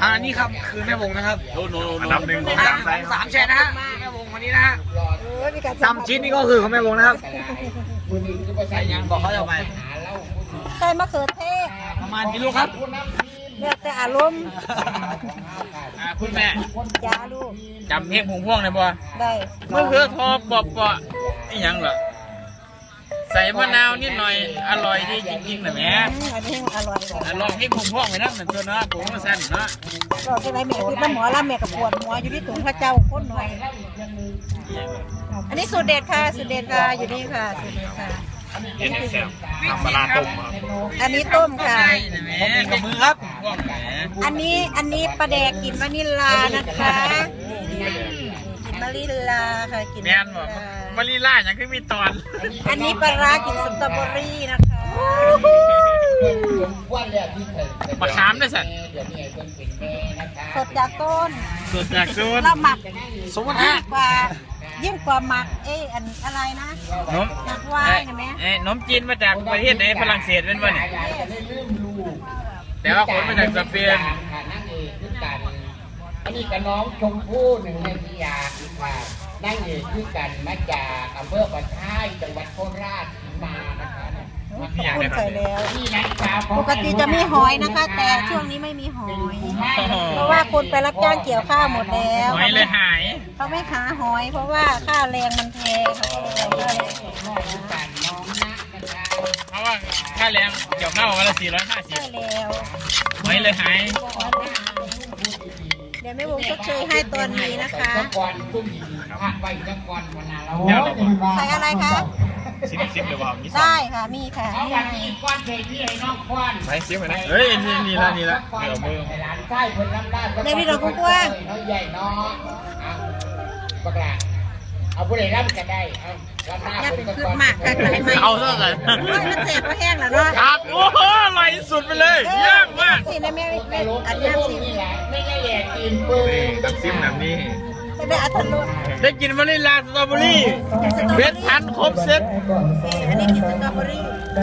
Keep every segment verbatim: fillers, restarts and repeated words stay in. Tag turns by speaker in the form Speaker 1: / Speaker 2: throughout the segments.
Speaker 1: อันนี้ครับคือแม่วงนะครับ
Speaker 2: โน่นโน่นอันดับหนึ่งของสามไซส์
Speaker 1: สามแชร์นะฮะแม่วงวันนี้นะฮะซ้ำชิ้นนี่ก็คือของแม่วงนะครับใส่ยังบอกเขาจะไป
Speaker 3: ใส่มะเขือเทศ
Speaker 1: ประมาณกี่ลูกครับ
Speaker 3: แล้วแต่อารมณ์
Speaker 2: คุณแม่
Speaker 3: จ้าลูก
Speaker 2: จำเพลงผงพ่วงได้บ่
Speaker 3: ได้
Speaker 2: เมื่อคือทอปอบปะอีหยังเหรอใส่มะนาวนิดหน่อยอร่อยดีจริงๆนะแม่
Speaker 3: อันนี้อร่อยกว่า
Speaker 2: ลองเพลงผงพ่วงไปนะเหมือนตัวเนาะผมก็สั้นเนาะ
Speaker 3: ก็จะไรแม่คือน้ำหมอแล้วแม่กับปวดหัวอยู่ที่ถุงพระเจ้าโคตรหน่อย อันนี้สูตรเด็ดค่ะสูตรเด็ดค่ะอยู่นี่ค่ะสูตรเด็ดค่ะ
Speaker 2: เย็นแซ่บทำปลาต้มครับ
Speaker 3: อันนี้ต้มค่ะ
Speaker 2: แม่
Speaker 1: กับมือครับ
Speaker 2: พ่วงแม่
Speaker 3: อันนี้อันนี้ปลาแดกกลิ่นวานิลลานะคะกลิ่นวานิลลาค่ะกลิ่น
Speaker 2: แม่นบ่มาลีล่าอย่างคือมีตอน
Speaker 3: อันนี้ปลาร้ากลิ่นสตรอเบอรี่นะคะ
Speaker 2: มะขามด้วยสัตว์
Speaker 3: สดจากต้น
Speaker 2: สดจากสูตร
Speaker 3: เราหมัก
Speaker 1: สมมติ
Speaker 3: ยิ่
Speaker 1: ฮะ
Speaker 3: งกว่ายิ่งกว่าหมักเอ้อันอะไรนะ
Speaker 2: นม
Speaker 3: หมักวายนะแม่
Speaker 2: เอ้นมจีนมาจากประเทศไหนฝรั่งเศสเป็นวะเนี่ยแต่ว่าคนมาจากสเปน
Speaker 4: อันนี้กับน้องชมพู่หนึ่งในพิยาค่ะนั่งเอกคือกันมาจากอำเภอปะท้ายจังหวัดโคราชมานะคะ
Speaker 3: ขอบคุณใส่แล้ว
Speaker 4: นี่นะครับ
Speaker 3: ปกติจะมีหอยนะคะ แต่ช่วงนี้ไม่มีหอย เพราะว่าคนไปรับจ้างเกี่ยวข้าวหมดแล้ว
Speaker 2: หอยเลยหาย
Speaker 3: เขาไม่หาหอย เพราะว่าค่าแรงมันแพงเขาก็เลยเอาค่าแรง
Speaker 4: กันน้องนะนะคะ
Speaker 2: เพราะว่าค่าแรงเกี่ยวข้าววันละสี่ร้อยห้าสิบ
Speaker 3: ใช่แล้ว
Speaker 2: หอยเลยหาย
Speaker 3: เดี๋ยวไม่วงชดเชยให้ตัวนี้นะคะ
Speaker 4: ตะกอนตุ้มพระไว้ตะกอนวันนั้นเรา
Speaker 2: เดี๋ยวเรา
Speaker 3: ใส่อะไรคะ
Speaker 2: ซิมซิมเดี๋ยวบอกนี่
Speaker 3: ได้ค่ะ มีค่ะ
Speaker 4: เอา
Speaker 3: นี่
Speaker 4: วัน
Speaker 3: ไง
Speaker 4: นี้ก้อนเทที่ให้น้องควัน
Speaker 2: ไปซิมไปนะเฮ้ยนี่นี่ละนี่ละเดี๋ยวมือ
Speaker 4: หลานใต้คนรับได้
Speaker 3: ในพี่เรากว้าง
Speaker 4: น้อยใหญ่น้องเอาปากลาเอาผู้ใดรับก็ได้เอารับหน้า
Speaker 3: อย่า
Speaker 4: ค
Speaker 3: เป็น
Speaker 4: นตะ
Speaker 3: คื
Speaker 4: ก
Speaker 3: บ
Speaker 4: อน
Speaker 3: หมากค่ะไหลไหม
Speaker 2: เอาเท่ากัน
Speaker 3: โอ้ยมันเจ็บก็แห้งแล้วเนาะ
Speaker 2: ครับโอ้โหอร่อยสุดไปเลยเยี่ยมมาก
Speaker 3: สิในแม่
Speaker 4: ต
Speaker 3: แม่
Speaker 4: ลก
Speaker 3: อัน
Speaker 4: ที่
Speaker 3: น้ำ
Speaker 4: พวก
Speaker 3: สิ
Speaker 4: นี่แหละไม่ได้แย่กินปืน
Speaker 2: น้ำซิมแบบนี้
Speaker 3: จะได้อัตโนมัติ
Speaker 2: ได้กินวานิลลาสตรอเบอรี่เวทพันครบเซ็ต
Speaker 3: อันนี้กินสตรอเบอรี่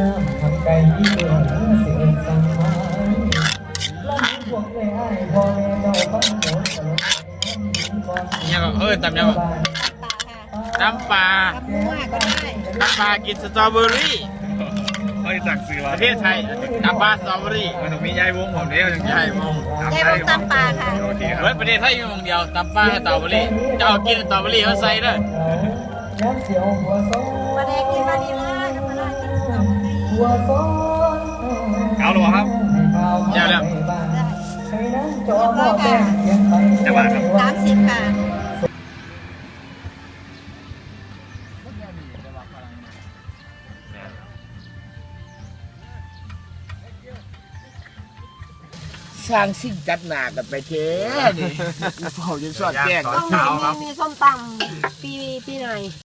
Speaker 2: ยังเออตำยัง
Speaker 3: ปลาค่ะ
Speaker 2: ตำปลา
Speaker 3: ตำมั่วก็ได้
Speaker 2: ตำปลากินสตรอเบอรี่เฮ้ยสั่งซื้อประเทศไทยตำปลาสตรอเบอรี่มันต้องมียายวงผมเดียวยายวง
Speaker 3: ยายวงตำปลาค่ะ
Speaker 2: เฮ้ยประเทศไทยมีวงเดียวตำปลาสตรอเบอรี่จะเอากินสตรอเบอรี่เขาใส่ด้วย
Speaker 3: ปลาแดกกินวานิลลาธรรมดากินสตรอเบอรี่
Speaker 2: เอาหรอครับเจ้าแล้ว
Speaker 3: ได้เรียบร้อยค่ะ
Speaker 2: จะว่าครับ
Speaker 3: สามสิบค่ะ
Speaker 4: สร้างสิ่งจัดหนากันไปเท่นี่เผาจนสอดแจ้ง
Speaker 2: ตอนเช้าครับ
Speaker 3: มีส้มตำปีปีไหน